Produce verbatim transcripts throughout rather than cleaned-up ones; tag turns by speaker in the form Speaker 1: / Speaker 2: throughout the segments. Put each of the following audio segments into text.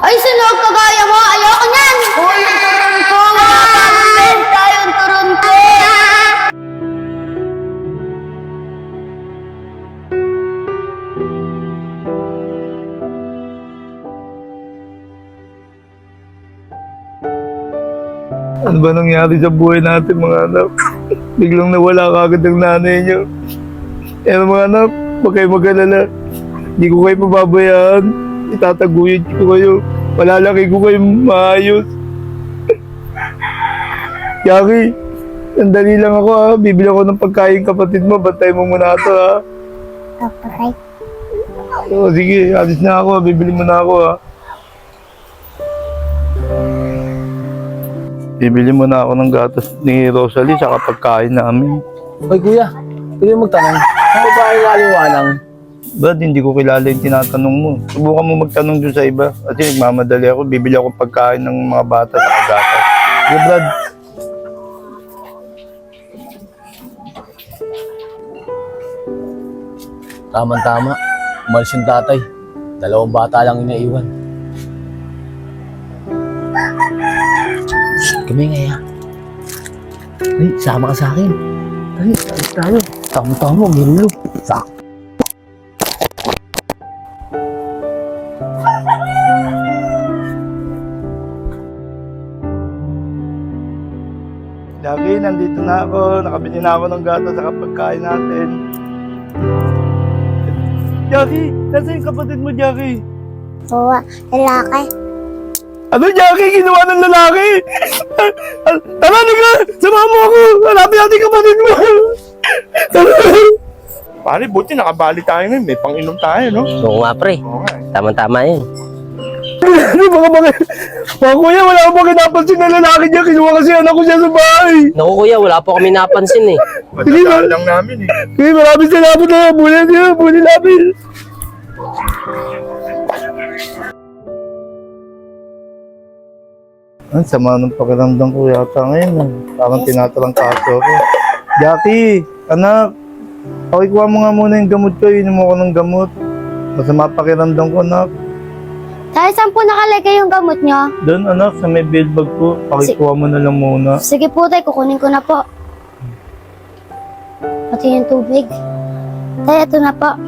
Speaker 1: Ay, sunog kagaya mo! Ayoko niyan! Uy, yung turon ko! Wala pa akong benta yung turon ko!
Speaker 2: Ano ba nangyari sa buhay natin mga anak? Biglang nawala kagad ang nanay niyo. Kaya mga anak, huwag kayo mag-alala. Hindi ko kayo mababayaan. Itataguyod ko kayo. Malalaki ko kayo maayos. Yaki, sandali lang ako ha. Bibili ako ng pagkain kapatid mo. Bantay mo muna ito ha.
Speaker 1: Okay.
Speaker 2: O sige, alis na ako. Bibili mo na ako ha. Bibili mo na ako ng gatas ni Rosalie sa pagkain namin.
Speaker 3: Hoy kuya, pwede mo magtanong. Ano ba ay waliwanang?
Speaker 2: Brad, hindi ko kilala yung tinatanong mo. Subukan mo magtanong dun sa iba. Kasi nagmamadali ako. Bibili ako pagkain ng mga bata sa gatas. Sige, Brad.
Speaker 3: Tama-tama, umalis yung tatay. Dalawang bata lang inaiwan. Kami nga ya. Ay, sama ka sa akin. Ay, alis tayo. Tama-tama, ginulo. Sak.
Speaker 2: Jackie, nandito na ako. Nakabili na ako ng gatas sa pagkain natin. Jackie, nasa yung kapatid mo, Jackie?
Speaker 1: Oo, lalaki.
Speaker 2: Ano, Jackie? Ginawa ng lalaki? Tara, nigga! Samahan mo ako! Hanapin natin kapatid mo! Tara! Pare, buti nakabali tayo ngayon. May pang-inom tayo, no?
Speaker 4: Oo nga pre,
Speaker 2: Oo nga.
Speaker 4: tama-tama yun.
Speaker 2: Ano ba ka bakit? Mga kuya, wala akong bakit napansin na lalaki niya. Kinuha kasi anak ko siya sa bahay.
Speaker 4: Naku kuya, wala po kami napansin eh.
Speaker 2: Madadaan lang namin eh. Sige, maraming salamat na. Bulin niya, bulin namin. Ang sama ng pakiramdam ko yata ngayon. ah. Parang tinatarang kaso ko. Jackie, anak. Pakikuha mo nga muna yung gamot ko. Inom mo ko ng gamot. Masama pakiramdam ko, anak.
Speaker 1: Tay, saan po nakalagay yung gamot nyo?
Speaker 2: Doon, anak, sa may bill bag ko. Pakikuha mo na lang muna.
Speaker 1: Sige po, tay, kukunin ko na po. Pati yung tubig. Tay, ito na po.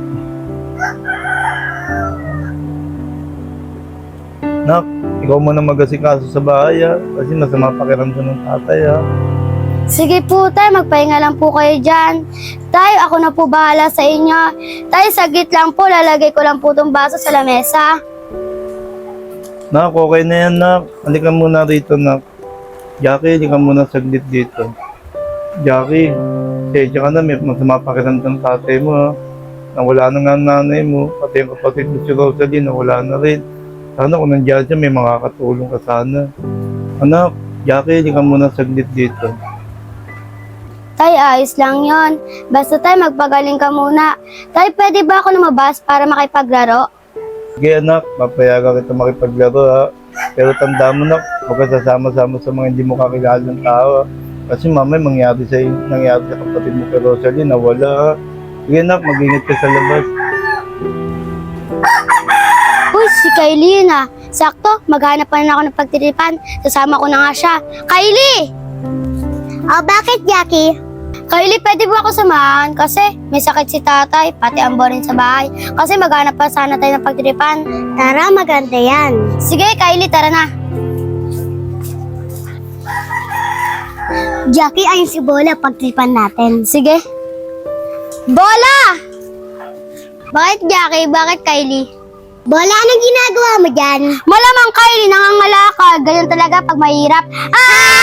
Speaker 2: Nak, ikaw mo na mag-asikaso sa bahay ha. Kasi masama pakiramdam ng tatay ha.
Speaker 1: Sige po, tay, magpahinga lang po kayo dyan. Tay, ako na po bahala sa inyo. Tay, saglit lang po, lalagay ko lang po itong baso sa lamesa.
Speaker 2: Nak, okay na yan nak. Halika muna rito nak. Jackie, halika muna saglit dito. Jackie, sedya ka na, may masama pakiramdam ng tatay mo ha. Nawala na nga ang nanay mo. Pati yung kapatid mo si Rosalie, nawala na rin. Sana kung nandiyan siya, may makakatulong ka sana. Anak, Jackie, halika muna saglit dito.
Speaker 1: Tay, ayos lang yon. Basta tay, magpagaling ka muna. Tay, pwede ba ako lumabas para makipaglaro?
Speaker 2: Sige anak, papayagan kita makipaglaro ha. Pero tanda mo nak, huwag ka sasama-sama sa mga hindi mo kakilala ng tao ha. Kasi mamay mangyari sa, nangyari sa kapatid mo kay Rosalie, nawala ha. Sige anak, mag-ingat ka sa labas.
Speaker 1: Uy, si Kylie yun ah. Sakto, maghanap pa na ako ng pagtiripan. Sasama ko na nga siya. Kylie! Oh, bakit, Jackie? Kylie, pwede ba ako samahan? Kasi may sakit si tatay, pati ang boring sa bahay. Kasi maghanap pa sana tayo ng pagtiripan. Tara, maganda yan. Sige, Kylie, tara na. Jackie, ayun si Bola, pagtiripan natin. Sige. Bola! Bakit, Jackie? Bakit, Kylie? Bola, anong ginagawa mo dyan? Malamang, Kylie, nangangalakal. Ganyan talaga pag mahirap.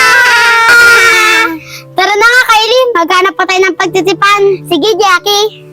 Speaker 1: Ah! Tara na nga, Kylie. Maghanap pa tayo ng pagtitipan. Sige, Jackie.